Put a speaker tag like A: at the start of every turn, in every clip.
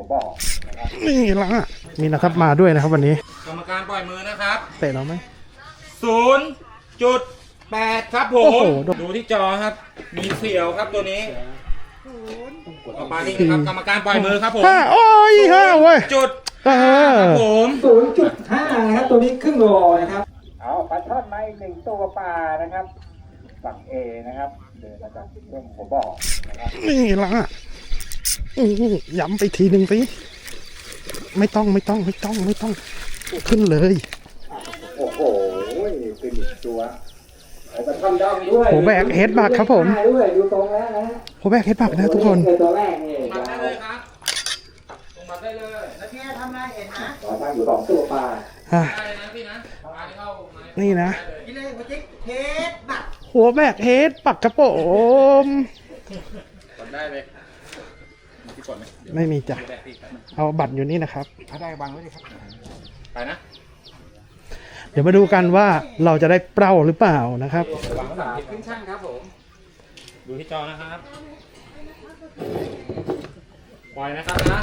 A: บอกนะครับ
B: นี่ละมีนะครับมาด้วยนะครับวันนี้
C: กรรมการปล่อยมือนะครับ
B: เตะเราไหม
C: 0.8 ครับผ
B: โอ้
C: ม
B: โห
C: ดูที่จอครับ มีเสียวครับตัวนี้ต่อไปนี่นะครับกรรมการปล่อยมือครับผม
B: ห้าโอ้ยห้าเว้ย
C: จุด
B: ครับ
C: ผม
A: 0.5นะครับตัวนี้ครึ่งโลนะครับเอาปลาช่อนมาอีกหนึ่งตัวปลานะครับฝั่งเอนะครับเดินมาจากเรื่องหัวบ่อนะครับ
B: นี่ละย้ำไปทีหนึ่งสิไม่ต้องขึ้นเลย
A: โอ้โหเป็นอีกตัวเอาปลาช่อนดองด้วย
B: โหแบกเฮดบักครับผม
A: ด้วยดูตรงแล้วนะ
B: โหแบกเฮดบักนะทุกคน
A: ตัวแรกนี่
C: มาได้เลยครับลงมาได้เลย
D: แล้วพี่ทำอะไรเห็นนะ
A: ต่อตั้งอยู่2ตัวปลา
B: อ่ะ
C: ได้เลยนะพี่นะมาเข้ามา
B: นี่นะ
D: พี่เลยหัวจิ๊กเทสบัตร
B: หัวแบกเฮดปักกระโปม
C: กดได้เลยพี่กดไหม
B: ไม่มีจ้ะ
C: แบกพี่ครับ
B: เอาบัตรอยู่นี่นะครับ
C: ถ้าได้วางไว้เลยครับไปนะ
B: เดี๋ยวมาดูกันว่าเราจะได้เปล่าหรือเปล่านะครับ
C: วางไว้หลังขึ้นช่างครับผมดูที่จอนะครับปล่อยนะครับนะ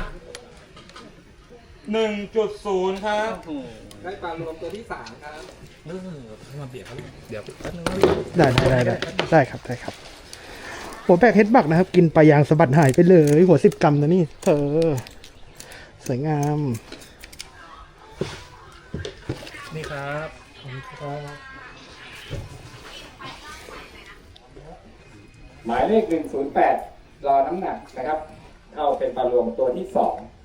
C: 1.0 ครับ
A: ได้ปลารวมตัวที่3ครับ
C: มาเบียดเขาเดี๋ยวแป๊บนึง
B: ได้ครับหัวแบกเฮดบักนะครับ กินปลายางสะบัดหายไปเลย หัว10 กรัมนะนี่เธอสวยงาม
C: นี่ครับ
A: หมายเลข108รอน้ำหนักนะครับเข้าเป็นปลารวมตัวที่2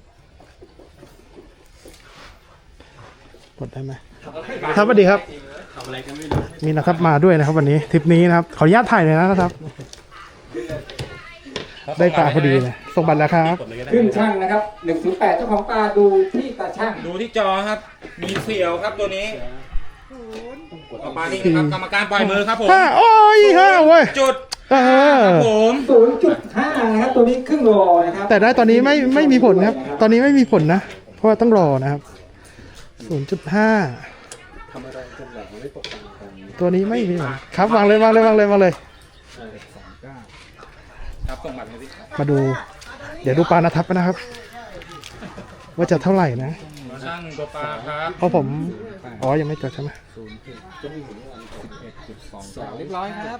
B: กดได้ไหมครับสวัสดีครับมีนะครับมาด้วยนะครับวันนี้ทริปนี้นะครับขออนุญาตถ่ายเลยนะครับ ได้ปลาพอดีเลยส่งบัตรแล้วครับ
A: ขึ้นช่างนะครับ108เจ้าของปลาดูที่ตาช่าง
C: ดูที่จอครับ มีเสียวครับตัวนี้ต่อไปนี่นะครับกรรมการปล่อยมือครับผม
B: ห้าโอ้ยห้าเว้ย
C: จุด
B: ครับ
C: ผม
A: 0.5นะครับตัวนี้ครึ่งโลนะครับ
B: แต่ได้ตอนนี้ไม่มีผลครับ ตอนนี้ไม่มีผลนะ เพราะว่าต้องรอนะครับ 0.5 ตัวนี้ไม่มีผลครับวางเลย
C: ครับส่งบัตรมาสิ
B: มาดู เดี๋ยวดูปลานะทับนะครับ ว่าจะเท่าไหร่นะ
C: ช่างตัวปลาครับ
B: เพราะผมอ๋อยังไม่จดใช่ไหม
C: เรียบร้อยครับ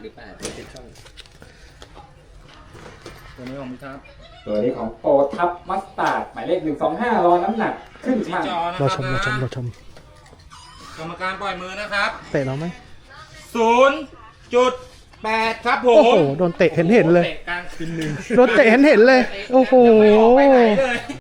C: ตัวนี้ของพี่ครับ
A: ตัวนี้ของโอทับมัสตาร์ดหมายเลข125รอน้ำหนักขึ้น
C: ที่
A: ช่าง
C: จอนะค
B: เรา
C: รับ
B: ชม
C: กรรมการปล่อยมือนะครับ
B: เตะเราไหม
C: 0.8 ครับผ
B: โอ้
C: ม
B: โหโดนเตะเห็นเลย
C: เตะกลางคืนหนึ่ง
B: โดนเตะเห็นเลย โอ้โห
C: ไม่ไหวเลย